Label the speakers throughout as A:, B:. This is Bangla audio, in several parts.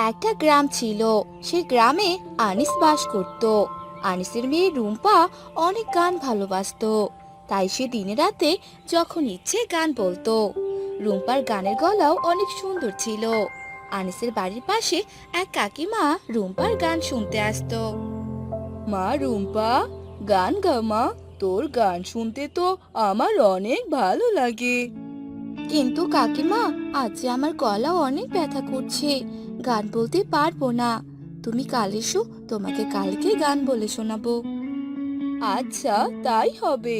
A: একটা গ্রাম ছিল। সেই গ্রামে আনিস বাস করত। আনিসের মেয়ে রুম্পা অনেক গান ভালোবাসতো। তাই সে দিনে রাতে যখন ইচ্ছে গান বলতো। রুম্পার গানের গলাও অনেক সুন্দর ছিল। আনিসের বাড়ির পাশে এক কাকিমা রুম্পার গান শুনতে আসতো। মা রুম্পা, গান গা মা, তোর গান শুনতে তো আমার অনেক ভালো লাগে। কিন্তু কাকিমা, আজ যে আমার গলা অনেক ব্যথা করছে, গান বলতে পারবো না। তুমি কাল এসো, তোমাকে কালকে গান বলে শোনাবো। আচ্ছা, তাই হবে।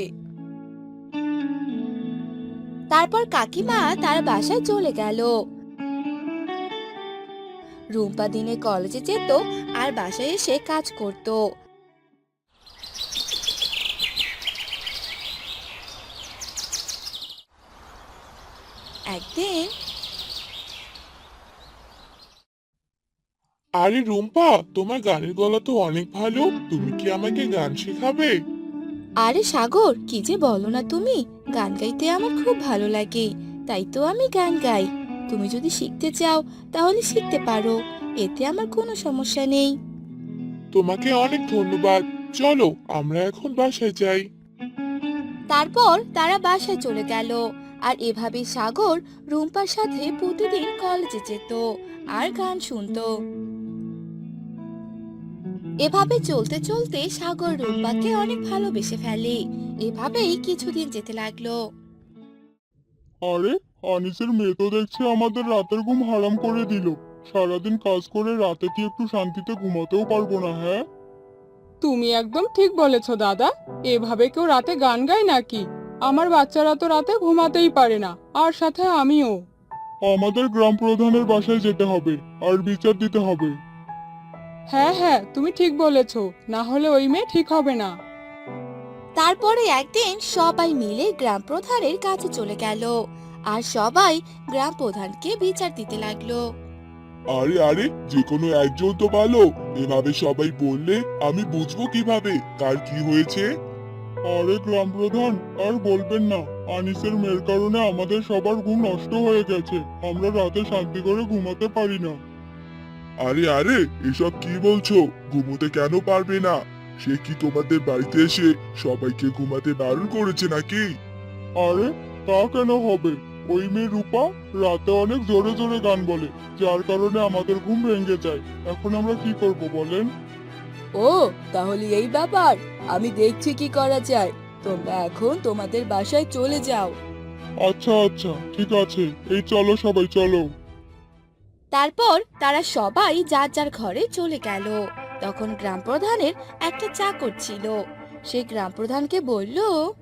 A: তারপর কাকিমা তার বাসায় চলে গেল। রুম্পা দিনে কলেজে যেত আর বাসায় এসে কাজ করত। একদিন,
B: আরে রুম্পা, তোমার গানের গলা তো অনেক ভালো। তুমি কি আমাকে গান শেখাবে?
A: আরে সাগর, কি যে বলো না তুমি, গান গাইতে আমার খুব ভালো লাগে। তাই তো আমি গান গাই। তুমি যদি শিখতে চাও তাহলে শিখতে পারো, এতে আমার কোনো সমস্যা নেই।
B: তোমাকে অনেক ধন্যবাদ। চলো, আমরা এখন বাসায় যাই।
A: তারপর তারা বাসায় চলে গেল। আর এভাবে সাগর রুম্পার সাথে প্রতিদিন কলেজে যেত আর গান শুনতো। এভাবে চলতে চলতে সাগর রুম্পাকে অনেক ভালোবেসে ফেলে। এভাবেই কিছুদিন যেতে লাগলো।
B: আরে, আনিসের মেয়ে তো দেখছি আমাদের রাতের ঘুম হারাম করে দিল। সারাদিন কাজ করে রাতে কি একটু শান্তিতে ঘুমাতেও পারবো না, হ্যাঁ?
C: তুমি একদম ঠিক বলেছো দাদা। এভাবে কেউ রাতে গান গায় নাকি? আমার বাচ্চারা তো রাতে ঘুমাতেই পারে না, আর সাথে আমিও।
B: আমাদের গ্রাম প্রধানের বাসায় যেতে হবে আর বিচার দিতে হবে।
C: হ্যাঁ হ্যাঁ, তুমি ঠিক বলেছো। না হলে ওই মেয়ে ঠিক হবে না।
A: তারপরে একদিন সবাই মিলে গ্রাম প্রধানের কাছে চলে গেল। আর সবাই গ্রাম প্রধানকে বিচার দিতে লাগলো।
B: আরে আরে, যে কোনো একজন তো ভালো। এভাবে সবাই বললে আমি বুঝবো কিভাবে কার কি হয়েছে? আরে গ্রাম প্রধান, আর বলবেন না। আনিসের মেয়ের কারণে আমাদের সবার ঘুম নষ্ট হয়ে গেছে। আমরা রাতে শান্তি করে ঘুমাতে পারি না। আরে আরে, এসব কি বলছো? ঘুমোতে কেন পারবে না? সে কি তোমাদের বাড়িতে এসে সবাইকে ঘুমাতে বারণ করেছে নাকি? আরে, তা কেন হবে? ওই মেয়ে রূপা রাতে অনেক জোরে জোরে গান বলে, যার কারণে আমাদের ঘুম ভেঙে যায়। এখন আমরা কি করব বলেন?
A: ও, তাহলে এই ব্যাপার। আমি দেখছি কি করা যায়। তোমরা এখন তোমাদের বাসায় চলে যাও।
B: আচ্ছা আচ্ছা, ঠিক আছে। এই চলো সবাই, চলো।
A: তারপর তারা সবাই যার যার ঘরে চলে গেল। তখন গ্রাম প্রধানের একটা চাকর ছিল। সে গ্রাম প্রধানকে বলল,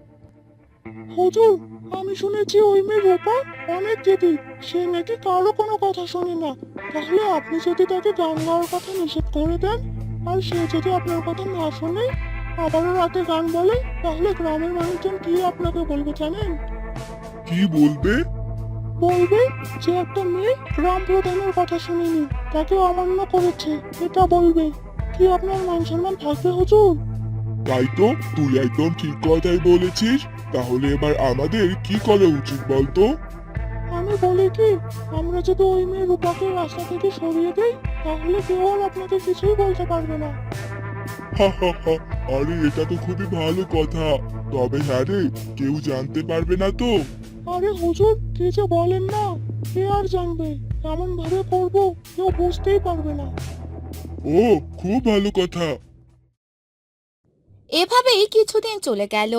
B: হুজুর, আমি শুনেছি ওই মেয়ে রূপা অনেক জেদি। সে নাকি কারো কোনো কথা শোনে না। তাহলে আপনি যদি তাকে গান গাওয়ার কথা নিষেধ করে দেন, আর সে যদি আপনার কথা না শোনে, আবারও রাতে গান বলে, তাহলে গ্রামের মানুষজন কি আপনাকে বলবে জানেন? কি বলবে? বলবে যে একটা মেয়ে গ্রাম প্রধানের কথা শুনেনি, তাকে অমান্য করেছে, এটা বলবে। কি আপনার মান সম্মান থাকবে হুজুর? তাই তো, তুই একদম ঠিক কথাই বলেছিস। তাহলে এবার আমাদের কি করা উচিত বলতো? আমি বলি কি, আমরা যদি ওই মেয়ে রূপাকে রাস্তা থেকে সরিয়ে দেই, তাহলে কেউ আর আপনাকে কিছুই বলতে পারবে না। হা হা হা, আরে এটা তো খুবই ভালো কথা। তবে হ্যাঁ রে, কেউ জানতে পারবে না তো? আরে হুজুর, কি যে বলেন না। কে আর জানবে? এমন ভাবে করবো কেউ বুঝতেই পারবে না। ও, খুব ভালো কথা।
A: এভাবেই কিছুদিন চলে গেল।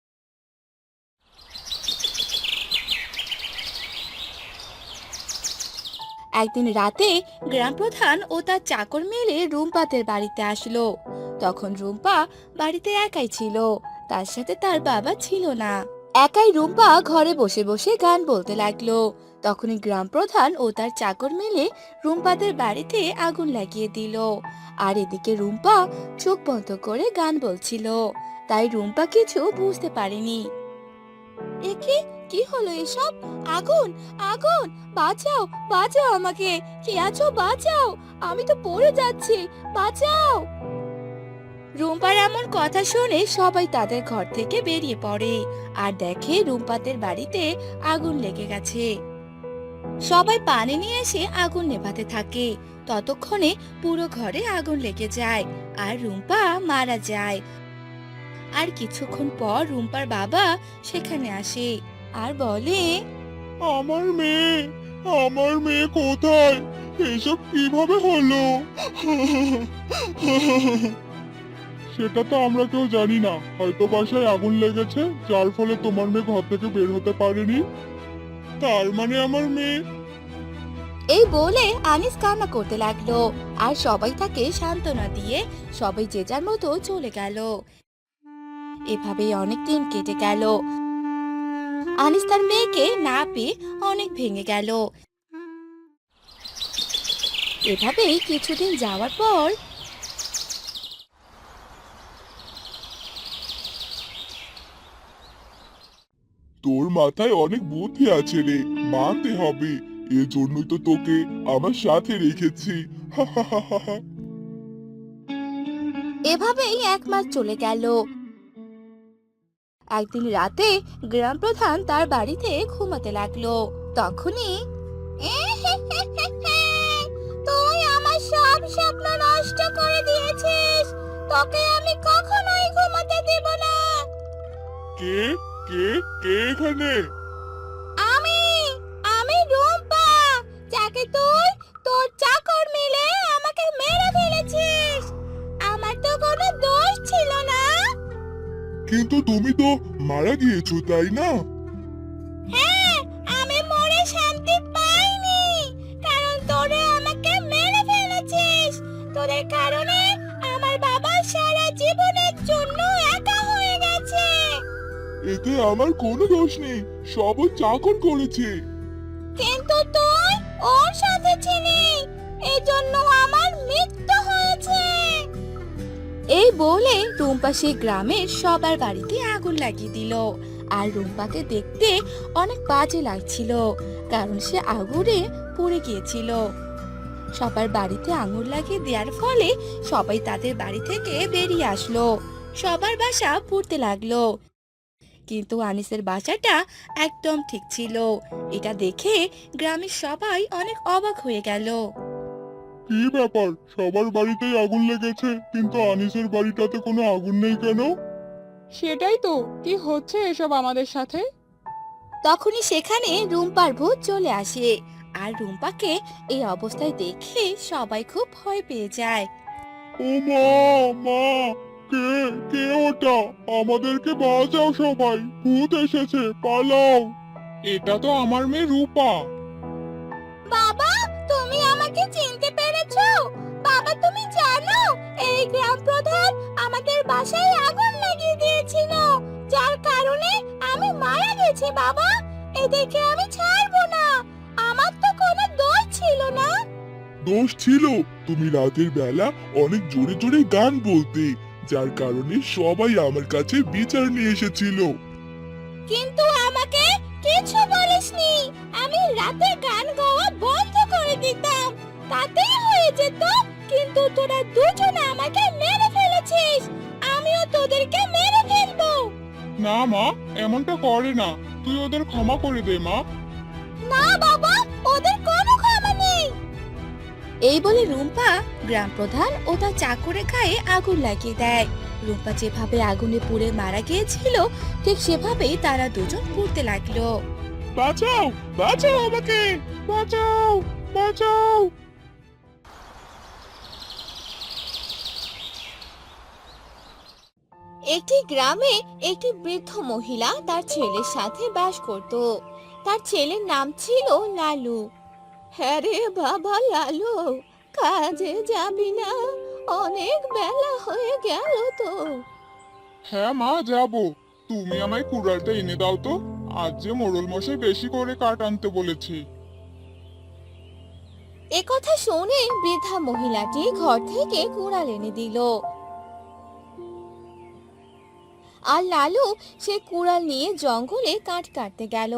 A: একদিন রাতে গ্রাম প্রধান ও তার চাকর মিলে রুম্পাদের বাড়িতে আসলো। তখন রুম্পা বাড়িতে একাই ছিল। তার সাথে তার বাবা ছিল না। একাই রুম্পা ঘরে বসে বসে গান বলতে লাগলো। তখনই গ্রাম প্রধান ও তার চাকর মিলে রুম্পাদের বাড়িতে আগুন লাগিয়ে দিল। আর এদিকে রুম্পা চোখ বন্ধ করে গান বলছিল। তাই রুম্পা কিছু বুঝতে পারেনি। একে, কি হলো এসব? আগুন, আগুন! বাঁচাও, বাঁচাও আমাকে! কে আছো, বাঁচাও! আমি তো পড়ে যাচ্ছি, বাঁচাও! রুম্পার এমন কথা শুনে সবাই তাদের ঘর থেকে বেরিয়ে পড়ে আর দেখে রুম্পাদের বাড়িতে আগুন লেগে গেছে। সবাই পানি নিয়ে এসে আগুন নেভাতে থাকে। ততক্ষণে পুরো ঘরে আগুন লেগে যায় আর রুম্পা মারা যায়। আর কিছুক্ষণ পর রুম্পার বাবা সেখানে আসে আর বলে,
B: আমার মেয়ে, আমার মেয়ে কোথায়? এসব কিভাবে হলো? সেটা তো আমরা কেউ জানি না, হয়তো বাসায় আগুন লেগেছে যার ফলে তোমার মেয়ে ঘর থেকে বের হতে পারেনি। তার মানে আমার মেয়ে।
A: এই বলে আনিস কান্না করতে লাগলো আর সবাই তাকে সান্ত্বনা দিয়ে সবাই যে যার মতো চলে গেল। এভাবেই অনেক দিন কেটে গেল। আনিস তার মেয়েকে না পেয়ে অনেক ভেঙে গেল। এভাবেই কিছুদিন যাওয়ার পর
B: তোর মাথায় অনেক বুদ্ধি আছে রে, মানতে হবে। এজন্যই তো তোকে আমার সাথে রেখেছি।
A: এভাবেই 1 মাস চলে গেল। একদিন রাতে গ্রাম প্রধান তার বাড়িতে ঘুমাতে লাগলো। তখনই তুই আমার সব স্বপ্ন নষ্ট করে দিয়েছিস, তোকে আমি কখনোই ঘুমাতে দেব না।
B: কে কে কে এখানে?
A: আমি আমি রুম্পা, যাকে তুই তোর চাকর মিলে আমাকে মেরে ফেলেছিস। আমার তো কোনো দোষ ছিল না।
B: কিন্তু তুমি তো মারা গিয়েছো, তাই না?
A: হ্যাঁ, আমি মরে শান্তি পাইনি, কারণ তোরা আমাকে মেরে ফেলেছিস। তোদের কারণে আমার বাবা সারা জীবনের জন্য একা হয়ে গেছে।
B: এতে আমার কোনো দোষ নেই, সব ওই চাকর করেছে।
A: কিন্তু তুই ওর সাথে ছিলি, এজন্য আমার মৃত্যু হয়েছে। এই বলে রুম্পা সেই গ্রামের সবার বাড়িতে আগুন লাগিয়ে দিল। আর রুম্পাকে দেখতে অনেক বাজে লাগছিল, কারণ সে আগুনে পুড়ে গিয়েছিল। সবার বাড়িতে আগুন লাগিয়ে দেওয়ার ফলে সবাই তাদের বাড়ি থেকে বেরিয়ে আসলো। সবার বাসা পুড়তে লাগলো, কিন্তু আনিসের বাসাটা একদম ঠিক ছিল। এটা দেখে গ্রামের সবাই অনেক অবাক হয়ে গেল।
B: কি ব্যাপার, সবার বাড়িতেই আগুন লেগেছে কিন্তু আনিসের বাড়িটাতে কোনো আগুন নেই কেন?
C: সেটাই তো, কি হচ্ছে এসব আমাদের সাথে?
A: তখনই সেখানে রুম্পার ভূত চলে আসে আর রুম্পাকে এই অবস্থায় দেখে সবাই খুব ভয় পেয়ে যায়।
B: ও মা, মা, কে কে ওটা? আমাদেরকে বাঁচাও সবাই, ভূত এসেছে, পালাও। এটা তো আমার মেয়ে রূপা।
A: বাবা, তুমি আমাকে চিনতে পেরেছো? বাবা, তুমি জানো এই গ্রাম প্রধান আমাদের বাসায় আগুন লাগিয়ে দিয়েছিল, যার কারণে আমি মারা গেছি। বাবা, এদেরকে আমি ছাড়বো না, আমার তো কোনো দোষ ছিল না।
B: দোষ ছিল, তুমি রাতের বেলা অনেক জোরে জোরে গান বলতে, যার কারণে সবাই আমার কাছে বিচার নিয়ে এসেছিল।
A: কিন্তু আমাকে কিছু বলিসনি। আমি রাতে গান গাওয়া বন্ধ করে দিতাম, তাতেই হয়ে যেত। কিন্তু তোরা দুজন আমাকে মেরে ফেলেছিস, আমিও তোদেরকে মেরে ফেলবো।
B: না মা, এমনটা করে না, তুই ওদের ক্ষমা করে দে মা।
A: না বাবা, ওদের কোনো ক্ষমা নেই। এই বলে রুম্পা গ্রাম প্রধান ও তার চাকরের গায়ে আগুন লাগিয়ে দেয়। রুম্পা যেভাবে আগুনে পুড়ে মারা গিয়েছিল, ঠিক সেভাবেই তারা দুজন পুড়তে লাগলো।
B: বাঁচাও, বাঁচাও আমাকে, বাঁচাও, বাঁচাও।
A: একটি গ্রামে একটি বৃদ্ধ মহিলা তার ছেলের সাথে বাস করত। তার ছেলের নাম ছিল লালু। হ্যাঁ রে বাবা লালু, কাজে যাবি না? অনেক বেলা হয়ে গেল তো।
B: হ্যাঁ মা, যাব। তুমি আমায় কুড়ালটা এনে দাও তো, আজ যে মোড়ল মশাই বেশি করে কাঠ আনতে বলেছে।
A: একথা শুনে বৃদ্ধা মহিলাটি ঘর থেকে কুড়াল এনে দিল। আর লালু সে কুড়াল নিয়ে জঙ্গলে কাঠ কাটতে গেল।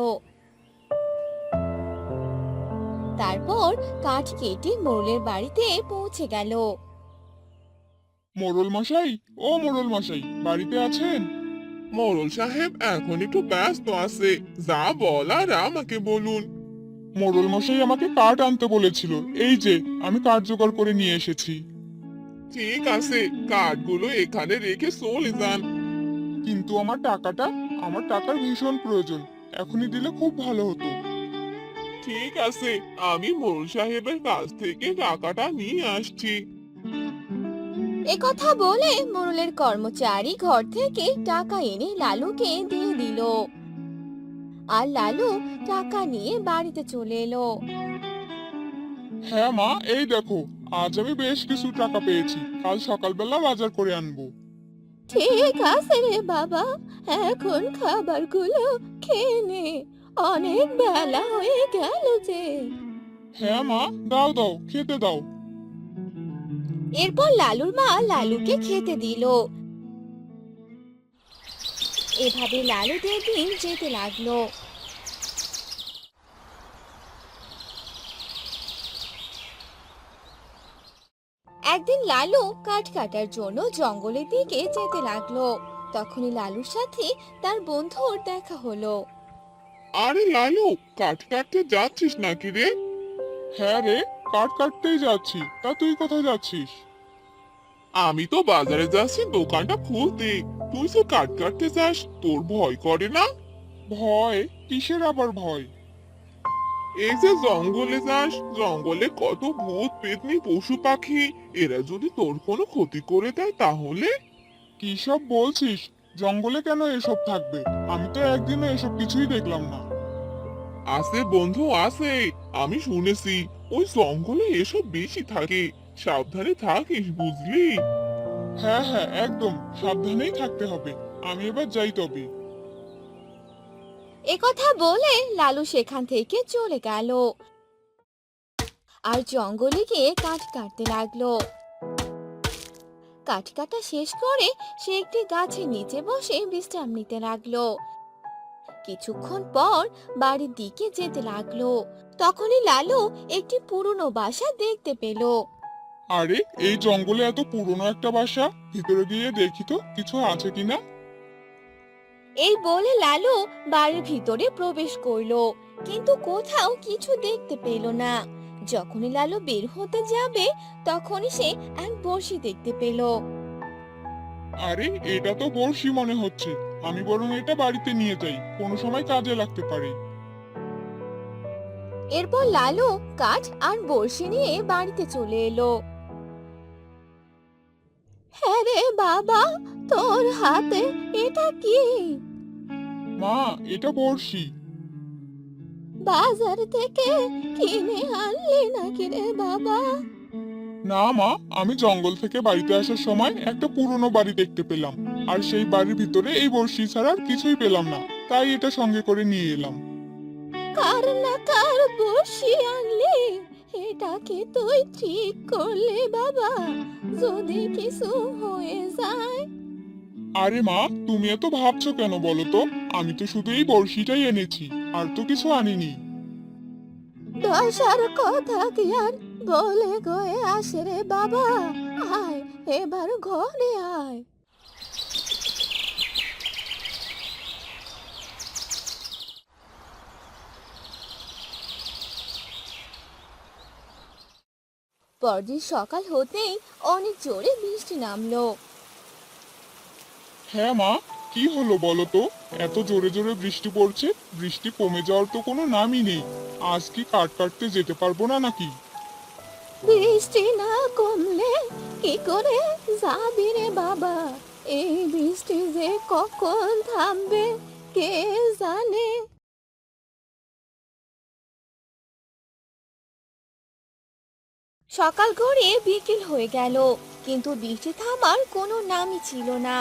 A: তারপর কাঠ কেটে মোড়লের বাড়িতে পৌঁছে গেল।
B: মোড়ল মশাই, ও মোড়ল মশাই, বাড়িতে আছেন? মোড়ল সাহেব এখন একটু ব্যস্ত আছে, যা বলার আমাকে বলুন। মোড়ল মশাই আমাকে কাঠ আনতে বলেছিল, এই যে আমি কাঠ জোগাড় করে নিয়ে এসেছি।
D: ঠিক আছে, কার্ডগুলো এখানে রেখে চলে যান।
B: কিন্তু আমার টাকার ভীষণ প্রয়োজন, এখনই দিলে খুব ভালো হতো।
D: ঠিক আছে, আমি মোড়ল সাহেবের কাছ থেকে টাকাটা নিয়ে আসছি।
A: কথা বলে মোড়লের কর্মচারী ঘর থেকে টাকা এনে লালুকে দিয়ে দিল। আর লালু টাকা নিয়ে বাড়িতে চলে এলো।
B: হ্যাঁ মা, এই দেখো, আজ আমি বেশ কিছু টাকা পেয়েছি, কাল সকালবেলা বাজার করে আনবো।
A: ঠিক আছে রে বাবা, এখন খাবারগুলো খেয়ে নে, অনেক বেলা হয়ে গেল যে।
B: হ্যাঁ মা, দাও দাও, খেতে দাও।
A: এরপর লালুর মা লালুকে খেতে দিল। এভাবে লালুদের দিন যেতে লাগলো। একদিন লালু কাঠ কাটার জন্য জঙ্গলের দিকে যেতে লাগলো। তখনই লালুর সাথে তার বন্ধুর দেখা হলো।
D: আরে লালু, কাঠ কাটতে যাচ্ছিস নাকি রে?
B: হ্যাঁ রে, কাঠ কাটতেই যাচ্ছি, তা তুই কোথায় যাচ্ছিস?
D: আমি তো বাজারে যাচ্ছি দোকানটা খুলতে। তুই যে কাঠ কাটতে যাস, তোর ভয় করে না?
B: ভয়? কিসের আবার ভয়?
D: এই যে জঙ্গলে যাস, জঙ্গলে কত ভূত পেতনি পশু পাখি, এরা যদি তোর কোনো ক্ষতি করে দেয় তাহলে?
B: কি সব বলছিস? জঙ্গলে কেন এসব থাকবে? আমি তো একদিনও এসব কিছুই দেখলাম না।
D: আছে বন্ধু আছে, আমি শুনেছি ওই জঙ্গলে এসব বেশি থাকে। সাবধানে থাকিস, বুঝলি?
B: হ্যাঁ হ্যাঁ, একদম সাবধানেই থাকতে হবে। আমি এবার যাই তবে।
A: কথা বলে লালু সেখান থেকে চলে গেল আর জঙ্গলে গিয়ে কাঠ কাটতে লাগলো। কাঠ কাটা শেষ করে সে একটি গাছের নিচে বসে বিশ্রাম নিতে লাগলো। কিছুক্ষণ পর বাড়ির দিকে যেতে লাগলো। তখনই লালু একটি পুরনো বাসা দেখতে পেল।
B: আরে, এই জঙ্গলে এত পুরনো একটা বাসা, ভিতরে গিয়ে দেখি তো কিছু আছে কিনা।
A: এই বলে লালু বাড়ির ভিতরে প্রবেশ করলো, কিন্তু কোথাও কিছু দেখতে পেল না। যখনই লালু বের হতে যাবে তখনই সে এক বড়শি দেখতে পেল।
B: আরে, এটা তো বড়শি মনে হচ্ছে। আমি বরং এটা বাড়িতে নিয়ে যাই, কোনো সময় কাজে লাগতে পারে।
A: এরপর লালু কাঠ আর বড়শি নিয়ে বাড়িতে চলে এলো। হ্যাঁ রে বাবা, তোর হাতে এটা কি?
B: মা, এটা বড়শি।
A: বাজার থেকে কিনে আনলি নাকি রে বাবা?
B: না মা, আমি জঙ্গল থেকে বাড়িতে আসার সময় একটা পুরনো বাড়ি দেখতে পেলাম, আর সেই বাড়ির ভিতরে এই বড়শি ছাড়া আর কিছুই পেলাম না, তাই এটা সঙ্গে করে নিয়ে এলাম।
A: কার না কার বসি আনলি, এটা কি তুই ঠিক করলি বাবা? যদি কিছু হয়ে যায়?
B: আরে মা, তুমি এত ভাবছো কেন বলো তো? আমি তো শুধু এই বড়শিটাই এনেছি, আর তো কিছু আনিনি।
A: দশার কথা কি আর বলে গয়ে আসে রে বাবা? আয়, এবার ঘরে আয়। পরদিন সকাল হতেই অনেক জোরে বৃষ্টি নামলো।
B: হ্যাঁ মা, কি হলো বলো তো? এত জোরে জোরে বৃষ্টি পড়ছে, বৃষ্টি কমে যাওয়ার তো কোনো নামই নেই। আজ কি কাঠ কাটতে যেতে পারবো না নাকি?
A: বৃষ্টি না কমলে কি করে যাবি রে বাবা? এই বৃষ্টি যে কখন থামবে কে জানে। সকাল গড়িয়ে বিকেল হয়ে গেল, কিন্তু বৃষ্টি থামার কোনো নামই ছিল না।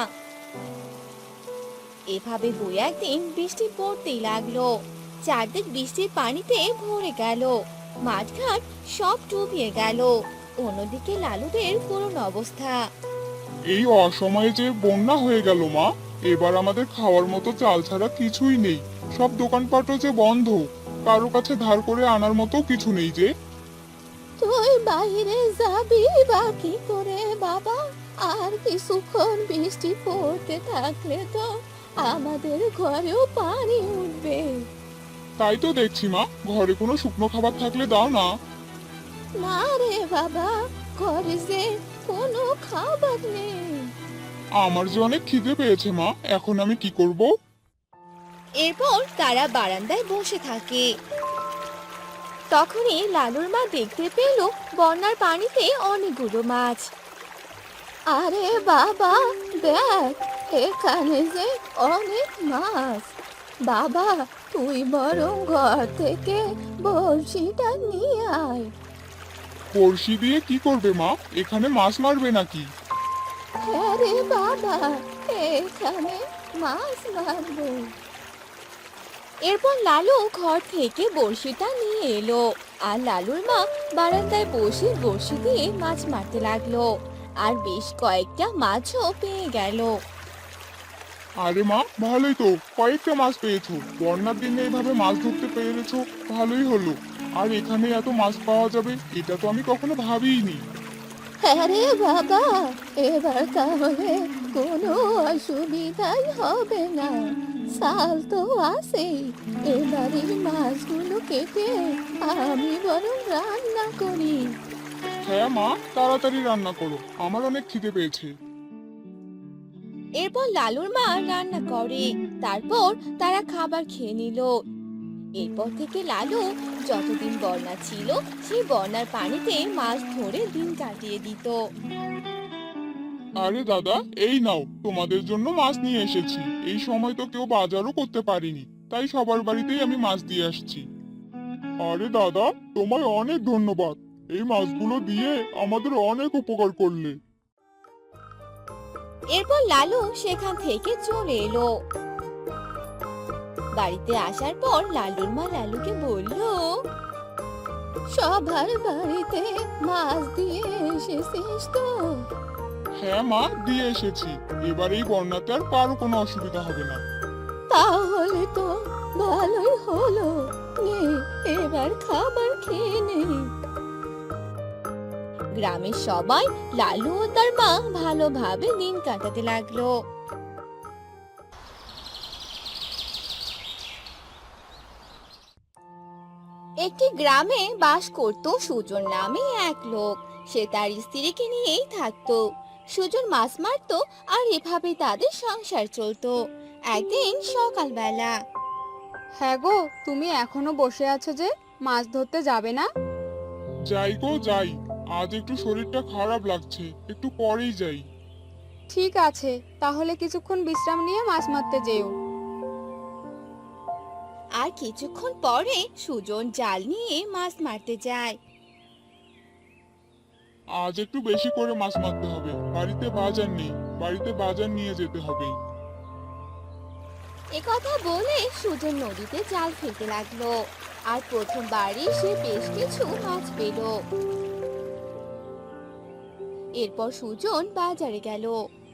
A: এভাবে দুই একদিন বৃষ্টি পড়তেই লাগলো। চারদিক বৃষ্টির পানিতে ভরে গেল, মাঠঘাট সব ডুবিয়ে গেল। অন্যদিকে লালুদের করুণ অবস্থা।
B: এই অসময়ে যে বন্যা হয়ে গেল মা, এবার আমাদের খাওয়ার মতো চাল ছাড়া কিছুই নেই। সব দোকানপাটও যে বন্ধ, কারো কাছে ধার করে আনার মতো কিছু নেই যে।
A: তুই বাইরে যাবি বা কি করে বাবা? আর কিছুক্ষণ বৃষ্টি পড়তে থাকলে তো আমাদের ঘরেও পানি উঠবে।
D: তাই তো দেখছি মা, ঘরে কোনো শুকনো খাবার থাকলে দাও না।
A: না রে বাবা, ঘরে যে কোনো খাবার নেই।
D: আমার যে অনেক খিদে পেয়েছে মা, এখন আমি কি করব?
A: এরপর তারা বারান্দায় বসে থাকে। তখনই লালুর মা দেখতে পেল বন্যার পানিতে অনেকগুলো মাছ। আরে বাবা, দেখ, এখানে যে অনেক মাছ। বাবা, তুই বরং ঘর থেকে বড়শিটা নিয়ে আয়।
D: বড়শি দিয়ে কি করবে মা? এখানে মাছ মারবে নাকি?
A: হ্যাঁ রে বাবা, এখানে মাছ মারবো। এরপর লালু ঘর থেকে বড়শিটা নিয়ে এলো, আর লালুর মা বারান্দায় বসে বড়শি দিয়ে মাছ মারতে লাগলো, আর বেশ কয়েকটা মাছও পেয়ে গেল।
D: আরে মা, ভালোই তো, কয়েকটা মাছ পেয়েছো। বন্যার দিনে এভাবে মাছ ধরতে পেরেছো, ভালোই হলো। আর এখানে এত মাছ পাওয়া যাবে এটা তো আমি কখনো ভাবিইনি।
A: হ্যাঁ রে বাবা, এবার তাহলে কোনো অসুবিধাই হবে না। সাল তো আছেই, এবার এই মাছগুলো কেটে আমি বরং রান্না করি।
D: হ্যাঁ মা, তাড়াতাড়ি রান্না করো, আমার অনেক খিদে পেয়েছে।
A: এরপর লালুর মা রান্না করে, তারপর তারা খাবার খেয়ে নিল। এরপর থেকে লালু যতদিন বন্যা ছিল সেই বন্যার পানিতে মাছ ধরে দিন কাটিয়ে দিত।
D: আরে দাদা, এই নাও, তোমাদের জন্য মাছ নিয়ে এসেছি। এই সময় তো কেউ বাজারও করতে পারিনি, তাই সবার বাড়িতেই আমি মাছ দিয়ে আসছি। আরে দাদা, তোমায় অনেক ধন্যবাদ। এই মাছগুলো দিয়ে আমাদের অনেক উপকার করলে।
A: এরপর লালু সেখান থেকে চলে এলো। বাড়িতে আসার পর লালুর মা লালুকে বলল, সবার বাড়িতে মাছ দিয়ে এসেছিস তো?
D: হ্যাঁ মা, দিয়ে এসেছি। এবার এই বন্যাতে আর কারো কোনো অসুবিধা হবে না।
A: তাহলে তো ভালোই হলো, নে এবার খাবার খেয়ে নে। গ্রামের সবাই লালু ও তার মা ভালোভাবে দিন কাটাতে লাগলো। একটি গ্রামে বাস করত সুজন নামে এক লোক। সে তার স্ত্রীকে নিয়েই থাকতো। সুজন মাছ মারতো, আর এভাবে তাদের সংসার চলতো। একদিন সকালবেলা,
C: হ্যাঁ গো, তুমি এখনো বসে আছো যে, মাছ ধরতে যাবে না?
D: যাই গো যাই, আজ একটু শরীরটা খারাপ লাগছে, একটু পরেই যাই।
C: ঠিক আছে, তাহলে কিছুক্ষণ বিশ্রাম নিয়ে মাছ মারতে যেও।
A: আর কিছুক্ষণ পরে সুজন জাল নিয়ে মাছ মারতে যায়।
D: আজ একটু বেশি করে মাছ মারতে হবে, বাড়িতে বাজার নেই, বাড়িতে বাজার নিয়ে যেতে হবে।
A: একথা বলে সুজন নদীতে জাল ফেলতে লাগলো, আর প্রথমবারই সে বেশ কিছু মাছ পেল। এরপর সুজন বাজারে গেল।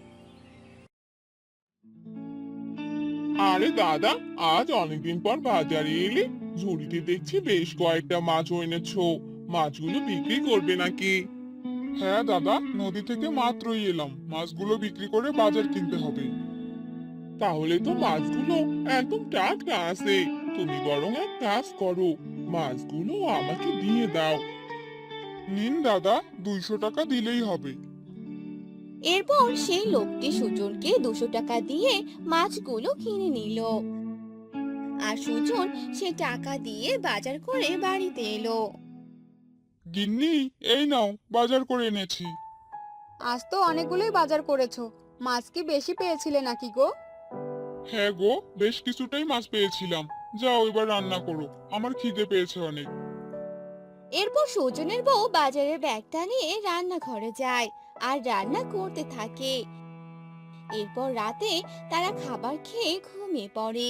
D: আরে দাদা, আজ অনেকদিন পর বাজারে এলে। ঝুড়িতে দেখছি বেশ কয়েকটা মাছ এনেছো। মাছগুলো বিক্রি করবে নাকি? হ্যাঁ দাদা, নদী থেকে মাত্রই এলাম, মাছগুলো বিক্রি করে বাজার কিনতে হবে। তাহলে তো মাছগুলো একদম টাটকা আছে। তুমি বরং এক কাজ করো, মাছগুলো আমাকে দিয়ে দাও। নিন দাদা, 200 টাকা দিলেই হবে।
A: এরপর সেই লোকটি সুজনকে 200 টাকা দিয়ে মাছগুলো কিনে নিল। আর সুজন সে টাকা দিয়ে বাজার করে বাড়িতে এলো।
D: গিন্নি, এই নাও, বাজার করে এনেছি।
C: আজ তো অনেকগুলোই বাজার করেছো, মাছ কি বেশি পেয়েছিলে নাকি গো?
D: হ্যাঁ গো, বেশ কিছুটাই মাছ পেয়েছিলাম। যাও এবার রান্না করো, আমার খিদে পেয়েছে অনেক।
A: এরপর সুজনের বউ বাজারের ব্যাগটা নিয়ে রান্নাঘরে যায় আর রান্না করতে থাকে। এরপর রাতে তারা খাবার খেয়ে ঘুমিয়ে পড়ে।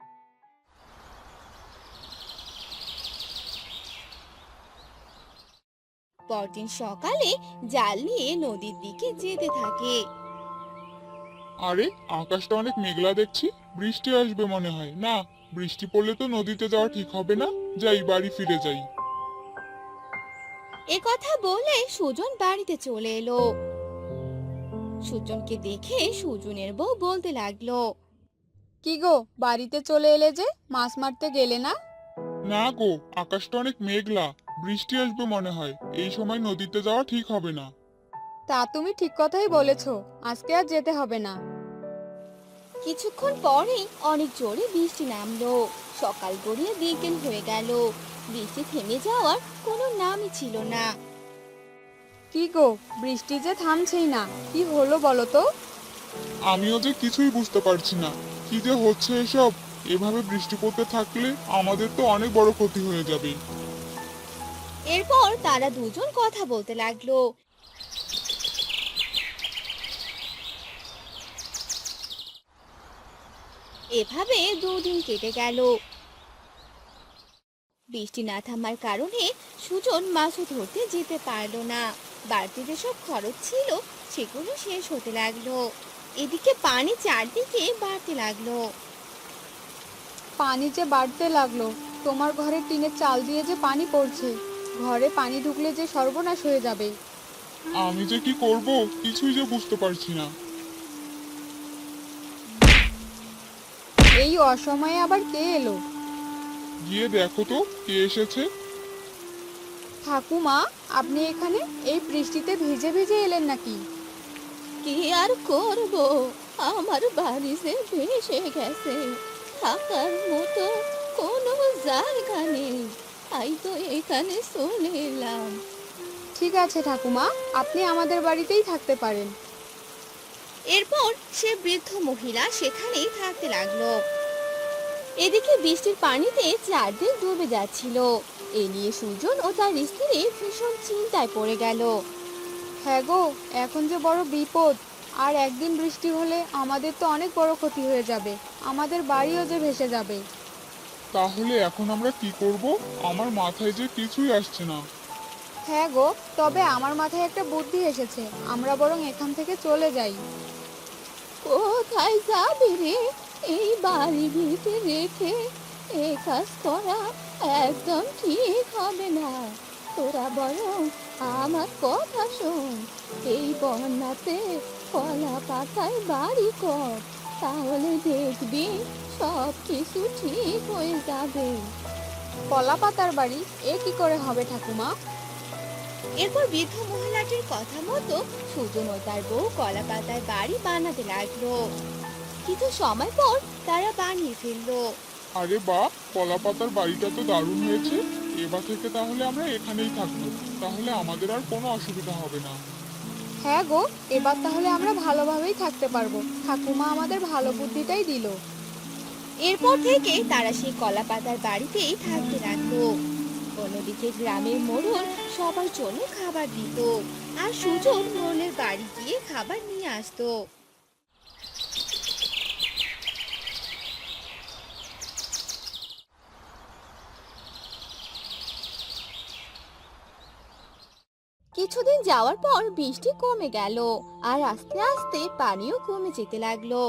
A: পরদিন সকালে জাল নিয়ে নদীর দিকে যেতে থাকে।
D: আরে, আকাশটা অনেক মেঘলা দেখছি, বৃষ্টি আসবে মনে হয়। না, বৃষ্টি পড়লে তো নদীতে যাওয়া ঠিক হবে না। যাই, বাড়ি ফিরে যাই।
A: একথা বলে সুজন বাড়িতে চলে এলো। সুজনকে দেখে সুজনের বউ বলতে লাগলো,
C: কি গো, বাড়িতে চলে এলে যে, মাছ মারতে গেলে না?
D: না গো, আকাশটা অনেক মেঘলা, বৃষ্টি আসবে মনে হয়। এই সময় নদীতে যাওয়া ঠিক হবে না।
C: তা তুমি ঠিক কথাই বলেছো, আজকে আর যেতে হবে না।
A: কিছুক্ষণ পরেই অনেক জোরে বৃষ্টি নামলো। সকাল গড়িয়ে বিকেল হয়ে গেল, বৃষ্টি থেমে যাওয়ার কোনো নামই ছিল না।
C: কি গো, বৃষ্টি যে থামছেই না, কি হলো বলো তো?
D: আমিও যে কিছুই বুঝতে পারছি না, কি যে হচ্ছে এসব। এভাবে বৃষ্টি পড়তে থাকলে আমাদের তো অনেক বড় ক্ষতি হয়ে যাবে।
A: এরপর তারা দুজন কথা বলতে লাগলো। এভাবে দুদিন কেটে গেল। বৃষ্টি না থামার কারণে সুজন মাছও ধরতে যেতে পারলো না। বাড়তি যেসব খরচ ছিল সেগুলো শেষ হতে লাগলো। এদিকে পানি চারদিকে বাড়তে লাগলো।
C: পানি যে বাড়তে লাগলো, তোমার ঘরে টিনের চাল দিয়ে যে পানি পড়ছে, ঘরে পানি ঢুকলে যে সর্বনাশ হয়ে যাবে।
D: আমি যে কি করব কিছুই যে বুঝতে পারছি না।
C: এই অসময়ে আবার কে এলো?
D: গিয়ে দেখো তো কে এসেছে।
C: ঠাকুমা, আপনি এখানে এই বৃষ্টিতে ভিজে ভিজে এলেন নাকি?
A: কি আর করব, আমার বাড়ি যে ভেসে গেছে, থাকার মতো কোনো জায়গা নেই, তাই তো এখানে চলে এলাম।
C: ঠিক আছে ঠাকুমা, আপনি আমাদের বাড়িতেই থাকতে পারেন।
A: এরপর সে বৃদ্ধ মহিলা সেখানেই থাকতে লাগলো। এদিকে বৃষ্টির পানিতে চারদিক ডুবে যাচ্ছিল। এ নিয়ে সুজন ও তার স্ত্রী ভীষণ চিন্তায় পড়ে গেল।
C: হ্যাঁ গো, এখন যে বড় বিপদ। আর একদিন বৃষ্টি হলে আমাদের তো অনেক বড় ক্ষতি হয়ে যাবে, আমাদের বাড়িও যে ভেসে যাবে।
D: তাহলে এখন আমরা কি করব? আমার মাথায় যে কিছুই আসছে না।
C: হ্যাঁ গো, তবে আমার মাথায় একটা বুদ্ধি এসেছে, আমরা বরং এখান থেকে চলে যাই।
A: কোথায় যাবি রে? এই বাড়ি ভিতরে রেখে এ কাজ করা একদম ঠিক হবে না। তোরা বরং আমার কথা শোন, এই বন্যাতে কলা পাতায় বাড়ি কর, তাহলে দেখবি সব কিছু ঠিক হয়ে যাবে।
C: কলা পাতার বাড়ি? এ কি করে হবে ঠাকুমা?
A: এরপর বৃদ্ধ মহিলাটির কথা মতো সুজন ও তার বউ কলা পাতায় বাড়ি বানাতে লাগলো। কিছু সময় পর তারা বানিয়ে ফেললো।
D: আরে বাহ, কলা পাতার বাড়িটা তো দারুণ হয়েছে। এবার থেকে তাহলে আমরা এখানেই থাকবো, তাহলে আমাদের আর কোনো অসুবিধা হবে না।
C: হ্যাঁ গো, এবার তাহলে আমরা ভালোভাবেই থাকতে পারবো, ঠাকুমা আমাদের ভালো বুদ্ধিটাই দিল।
A: এরপর থেকে তারা সেই কলা পাতার বাড়িতেই থাকতে লাগলো। অন্যদিকে গ্রামের মোড়ল সবার জন্য খাবার দিত, আর সুজন মোড়লের বাড়ি গিয়ে খাবার নিয়ে আসতো। কিছুদিন যাওয়ার পর বৃষ্টি কমে গেল, আর আস্তে আস্তে পানিও কমে যেতে লাগলো।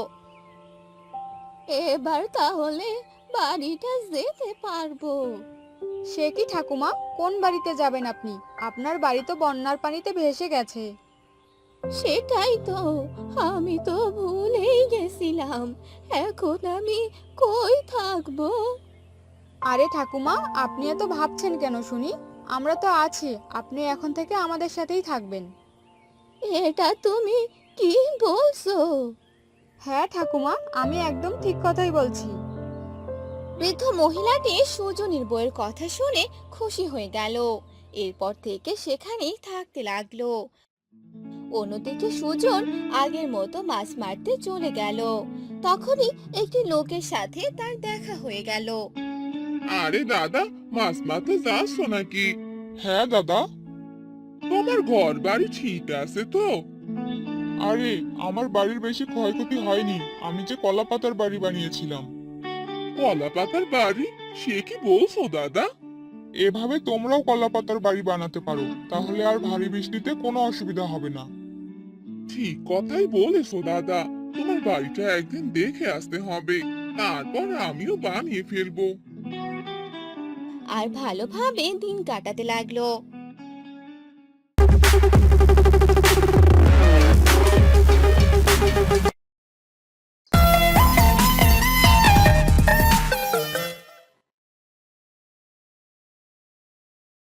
A: এবার তাহলে বাড়িটা যেতে পারবো।
C: সে কি ঠাকুমা, কোন বাড়িতে যাবেন আপনি? আপনার বাড়ি তো বন্যার পানিতে ভেসে গেছে।
A: সেটাই তো, আমি তো ভুলেই গেছিলাম। এখন আমি কই থাকবো?
C: আরে ঠাকুমা, আপনি এত ভাবছেন কেন শুনি? আমরা তো আছি, আপনি এখন থেকে আমাদের সাথেই থাকবেন।
A: এটা তুমি কি বলছো?
C: হ্যাঁ ঠাকুমা, আমি একদম ঠিক কথাই বলছি।
A: বৃদ্ধ মহিলাটি সুজনের বউয়ের কথা শুনে খুশি হয়ে গেল। এরপর থেকে সেখানেই থাকতে লাগলো। অন্যদিকে সুজন আগের মতো মাছ মারতে চলে গেল। তখনই একটি লোকের সাথে তার দেখা হয়ে গেল।
D: আরে দাদা, মাছ মারতে যাচ্ছ নাকি? হ্যাঁ দাদা। তোমার ঘর বাড়ি ঠিক আছে তো? আরে, আমার বাড়ির বেশি ক্ষয়ক্ষতি হয়নি, আমি যে কলা পাতার বাড়ি বানিয়েছিলাম। কলা পাতার বাড়ি? সে কি বলছো দাদা? এভাবে তোমরাও কলা পাতার বাড়ি বানাতে পারো, তাহলে আর ভারী বৃষ্টিতে কোনো অসুবিধা হবে না। ঠিক কথাই বলেছো দাদা, তোমার বাড়িটা একদিন দেখে আসতে হবে, তারপর আমিও বানিয়ে ফেলবো।
A: আর ভালোভাবে দিন কাটাতে লাগলো।